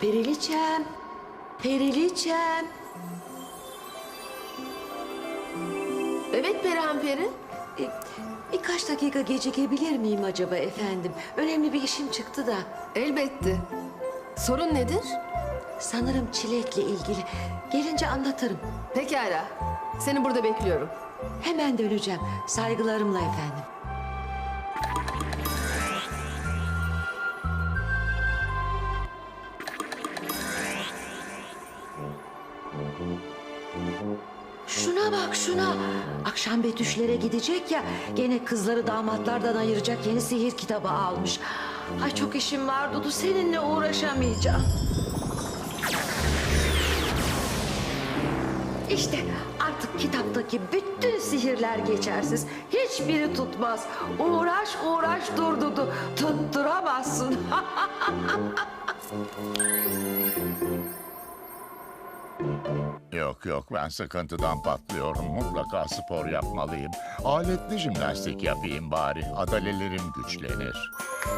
Periliçem, Periliçem. Evet Perihan Peri. Birkaç dakika gecikebilir miyim acaba efendim? Önemli bir işim çıktı da. Elbette. Sorun nedir? Sanırım çilekle ilgili. Gelince anlatırım. Pekala. Seni burada bekliyorum. Hemen döneceğim. Saygılarımla efendim. Şuna bak şuna. Akşam Betüşlere gidecek ya. Gene kızları damatlardan ayıracak yeni sihir kitabı almış. Ay çok işim var Dudu. Seninle uğraşamayacağım. İşte artık kitaptaki bütün sihirler geçersiz. Hiçbiri tutmaz. Uğraş uğraş dur Dudu. Tutturamazsın. Yok ben sıkıntıdan patlıyorum. Mutlaka spor yapmalıyım. Aletli jimnastik yapayım bari. Adalelerim güçlenir.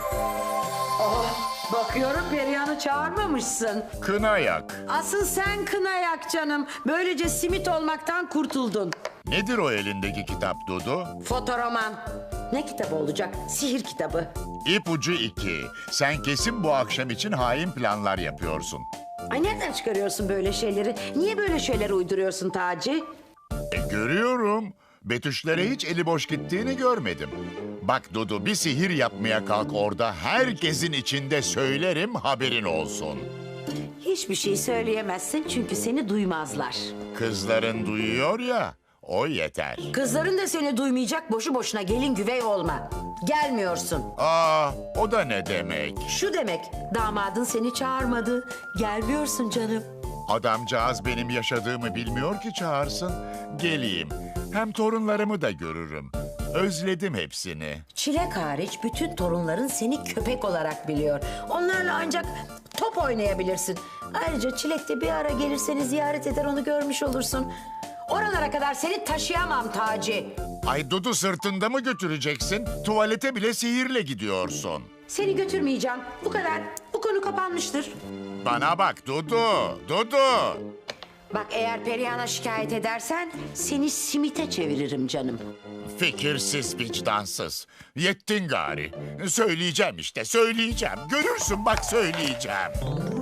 Bakıyorum Perihan'ı çağırmamışsın. Kına yak. Asıl sen kına yak canım. Böylece simit olmaktan kurtuldun. Nedir o elindeki kitap Dudu? Fotoroman. Ne kitabı olacak? Sihir kitabı. İpucu 2. Sen kesin bu akşam için hain planlar yapıyorsun. Ay nereden çıkarıyorsun böyle şeyleri? Niye böyle şeyler uyduruyorsun Taci? Görüyorum. Betüşlere hiç eli boş gittiğini görmedim. Bak Dudu, bir sihir yapmaya kalk orada. Herkesin içinde söylerim, haberin olsun. Hiçbir şey söyleyemezsin çünkü seni duymazlar. Kızların duyuyor ya, o yeter. Kızların da seni duymayacak, boşu boşuna gelin güvey olma. Gelmiyorsun. O da ne demek? Şu demek, damadın seni çağırmadı. Gelmiyorsun canım. Adamcağız benim yaşadığımı bilmiyor ki çağırsın. Geleyim. Hem torunlarımı da görürüm. Özledim hepsini. Çilek hariç bütün torunların seni köpek olarak biliyor. Onlarla ancak top oynayabilirsin. Ayrıca Çilek de bir ara gelir seni ziyaret eder, onu görmüş olursun. Oralara kadar seni taşıyamam Taci. Ay Dudu, sırtında mı götüreceksin? Tuvalete bile sihirle gidiyorsun. Seni götürmeyeceğim. Bu kadar. Bu konu kapanmıştır. Bana bak Dudu, Dudu. Bak eğer Perihan'a şikayet edersen seni simite çeviririm canım. Fikirsiz, vicdansız. Yettin gari. Söyleyeceğim işte, söyleyeceğim. Görürsün bak, söyleyeceğim.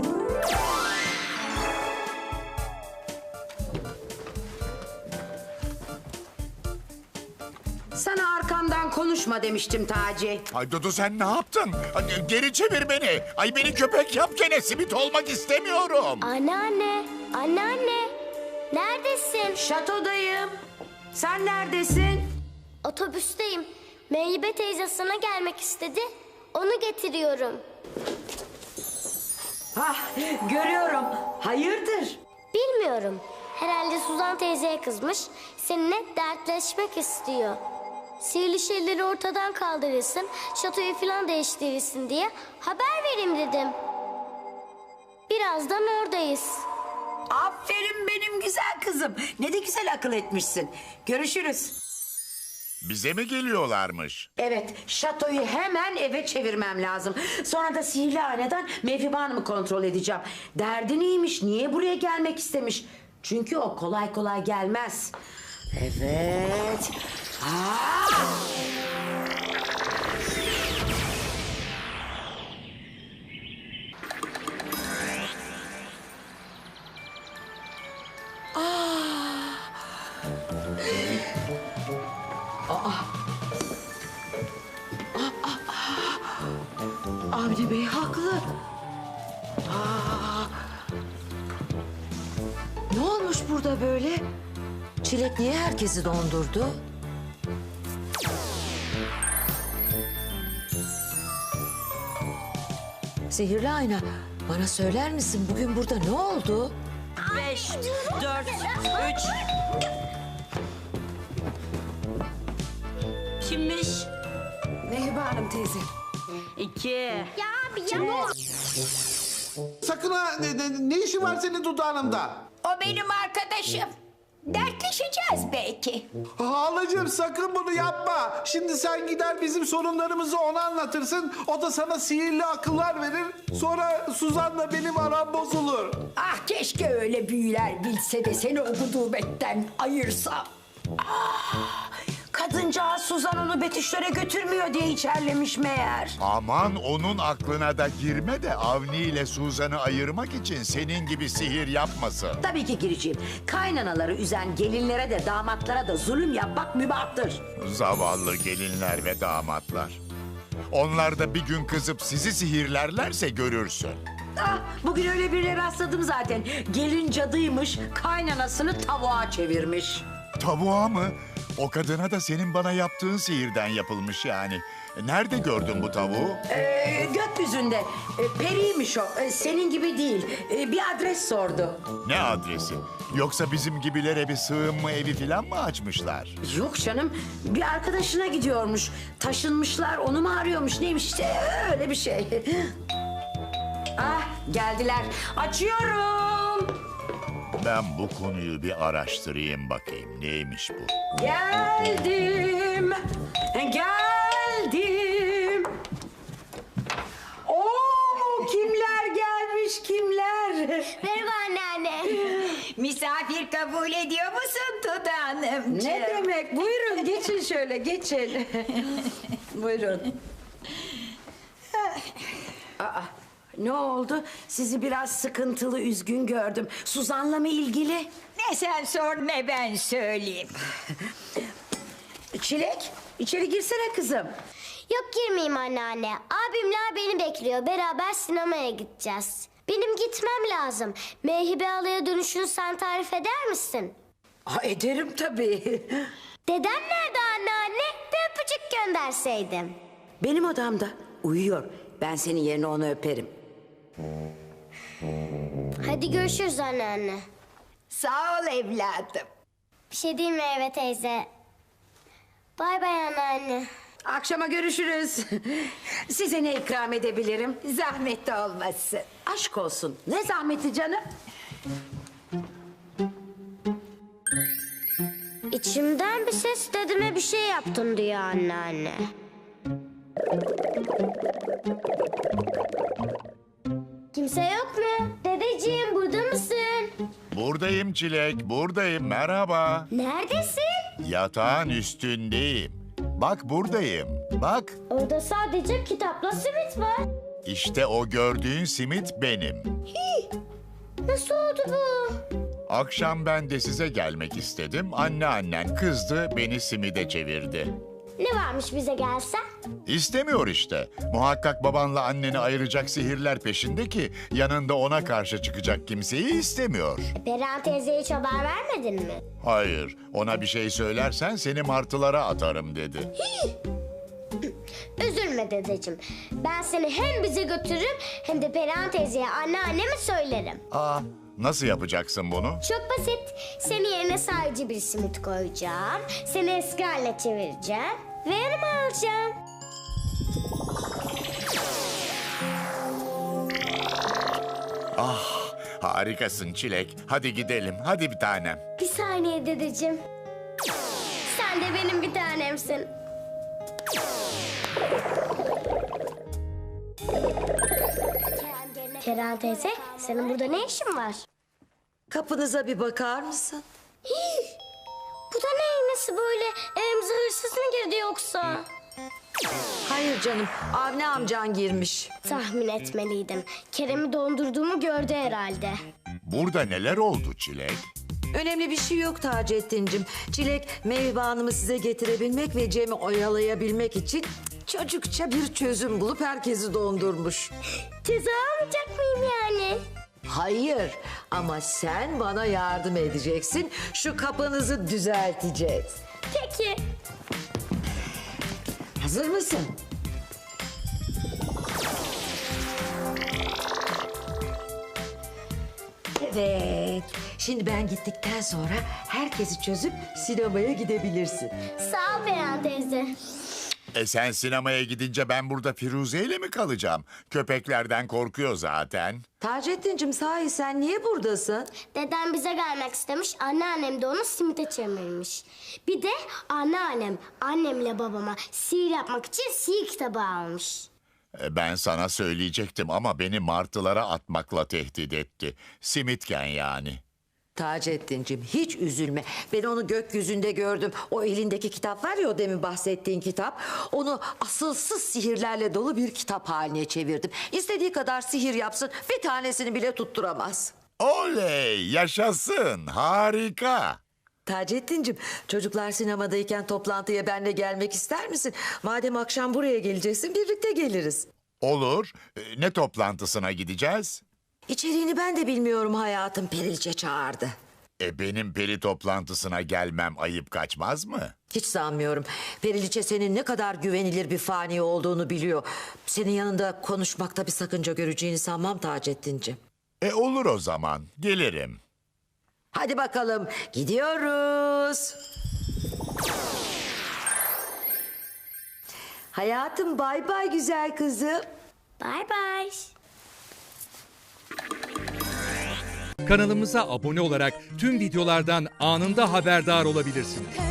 Sana arkamdan konuşma demiştim Taci. Ay Dudu, sen ne yaptın? Ay, geri çevir beni. Ay beni köpek yap gene, simit olmak istemiyorum. Anneanne, anneanne. Neredesin? Şatodayım. Sen neredesin? Otobüsteyim. Meyve teyze sana gelmek istedi. Onu getiriyorum. Hah, görüyorum. Hayırdır? Bilmiyorum. Herhalde Suzan teyzeye kızmış. Seninle dertleşmek istiyor. Sihirli şeyleri ortadan kaldırırsın, şatoyu falan değiştirirsin diye haber vereyim dedim. Birazdan oradayız. Aferin benim güzel kızım. Ne de güzel akıl etmişsin. Görüşürüz. Bize mi geliyorlarmış? Evet, şatoyu hemen eve çevirmem lazım. Sonra da sihirli haneden Mevhibe Hanım'ı kontrol edeceğim. Derdi neymiş, niye buraya gelmek istemiş? Çünkü o kolay kolay gelmez. Evet. Avni Bey haklı. Ne olmuş burada böyle? Çilek niye herkesi dondurdu? Sihirli ayna, bana söyler misin bugün burada ne oldu? 5, 4, 3. Kimmiş? Mehriban Hanım teyze. 2. Ya abi ya. Sakın ha, ne işi var senin dudağında? O benim arkadaşım. Dertleşeceğiz belki. Halacığım sakın bunu yapma. Şimdi sen gider bizim sorunlarımızı ona anlatırsın. O da sana sihirli akıllar verir. Sonra Suzan'la benim aram bozulur. Ah keşke öyle büyüler bilse de seni o gudubetten ayırsa. Ah, kadıncağız Suzan onu Betüşlere götürmüyor diye içerlemiş meğer. Aman onun aklına da girme de Avni ile Suzan'ı ayırmak için senin gibi sihir yapmasın. Tabii ki gireceğim. Kaynanaları üzen gelinlere de damatlara da zulüm yapmak mübahtır. Zavallı gelinler ve damatlar. Onlar da bir gün kızıp sizi sihirlerlerse görürsün. Ah, bugün öyle birine rastladım zaten. Gelin cadıymış, kaynanasını tavuğa çevirmiş. Tavuğa mı? O kadına da senin bana yaptığın sihirden yapılmış yani. Nerede gördün bu tavuğu? Gökyüzünde. Periymiş o. Senin gibi değil. Bir adres sordu. Ne adresi? Yoksa bizim gibilere bir sığınma evi falan mı açmışlar? Yok canım. Bir arkadaşına gidiyormuş. Taşınmışlar, onu mu arıyormuş? Neymiş işte öyle bir şey. Ah, geldiler. Açıyorum. Ben bu konuyu bir araştırayım bakayım. Neymiş bu? Geldim. Geldim. Oo, kimler gelmiş kimler? Merhaba anneanne. Misafir kabul ediyor musun Dudu Hanımcığım? Ne demek? Buyurun geçin şöyle geçin. Buyurun. Aa, ne oldu? Sizi biraz sıkıntılı, üzgün gördüm. Suzan'la mı ilgili? Ne sen sor ne ben söyleyeyim. Çilek, içeri girsene kızım. Yok girmeyeyim anneanne. Abimler beni bekliyor. Beraber sinemaya gideceğiz. Benim gitmem lazım. Meyhibe Ala'ya dönüşünü sen tarif eder misin? Aa, ederim tabii. Dedem nerede anneanne? Bir öpücük gönderseydim. Benim odamda uyuyor. Ben senin yerine onu öperim. Hadi görüşürüz anneanne. Sağ ol evladım. Bir şey diyeyim mi Eve teyze? Bay bay anneanne. Akşama görüşürüz. Size ne ikram edebilirim? Zahmet olmasın. Aşk olsun. Ne zahmeti canım? İçimden bir ses dedeme bir şey yaptın diyor anneanne. Kimse yok mu? Dedeciğim burada mısın? Buradayım Çilek, buradayım. Merhaba. Neredesin? Yatağın üstündeyim. Bak buradayım. Bak. Orada sadece kitapla simit var. İşte o gördüğün simit benim. Nasıl oldu bu? Akşam ben de size gelmek istedim. Anneannen kızdı, beni simide çevirdi. Ne varmış bize gelsen? İstemiyor işte. Muhakkak babanla anneni ayıracak sihirler peşinde ki yanında ona karşı çıkacak kimseyi istemiyor. Perihan teyzeye hiç haber vermedin mi? Hayır, ona bir şey söylersen seni martılara atarım dedi. Üzülme dedeciğim. Ben seni hem bize götürürüm hem de Perihan teyzeye anneanneme söylerim. Aa, nasıl yapacaksın bunu? Çok basit. Senin yerine sadece bir simit koyacağım. Seni eski haline çevireceğim. Ve yanıma alacağım. Harikasın Çilek. Hadi gidelim, hadi bir tanem. Bir saniye dedeciğim. Sen de benim bir tanemsin. Perihan teyze, senin burada ne işin var? Kapınıza bir bakar mısın? Bu da ne? Nasıl böyle? Evimize hırsız mı girdi yoksa? Hayır canım, Avni amcan girmiş. Tahmin etmeliydim. Kerem'i dondurduğumu gördü herhalde. Burada neler oldu Çilek? Önemli bir şey yok Taceddin'cim. Çilek, Meyve Hanım'ı size getirebilmek ve Cem'i oyalayabilmek için çocukça bir çözüm bulup herkesi dondurmuş. Ceza almayacak mıyım yani? Hayır, ama sen bana yardım edeceksin. Şu kapınızı düzelteceğiz. Peki. Hazır mısın? Evet. Şimdi ben gittikten sonra herkesi çözüp sinemaya gidebilirsin. Sağ ol Perihan teyze. Sen sinemaya gidince ben burada Firuze ile mi kalacağım? Köpeklerden korkuyor zaten. Taceddin'cim sahi sen niye buradasın? Dedem bize gelmek istemiş, anneannem de onu simite çevirmiş. Bir de anneannem, annemle babama sihir yapmak için sihir kitabı almış. Ben sana söyleyecektim ama beni martılara atmakla tehdit etti. Simitken yani. Taceddin'cim hiç üzülme. Ben onu gökyüzünde gördüm. O elindeki kitap var ya, o demin bahsettiğin kitap. Onu asılsız sihirlerle dolu bir kitap haline çevirdim. İstediği kadar sihir yapsın, bir tanesini bile tutturamaz. Oley, yaşasın, harika. Taceddin'cim, çocuklar sinemadayken toplantıya benle gelmek ister misin? Madem akşam buraya geleceksin, birlikte geliriz. Olur. Ne toplantısına gideceğiz? İçeriğini ben de bilmiyorum hayatım, Perilçe çağırdı. Benim peri toplantısına gelmem ayıp kaçmaz mı? Hiç sanmıyorum. Periliçe senin ne kadar güvenilir bir fani olduğunu biliyor. Senin yanında konuşmakta bir sakınca göreceğini sanmam Taceddin'cim. Olur o zaman, gelirim. Hadi bakalım, gidiyoruz. Hayatım, bay bay güzel kızım. Bay bay. Kanalımıza abone olarak tüm videolardan anında haberdar olabilirsiniz.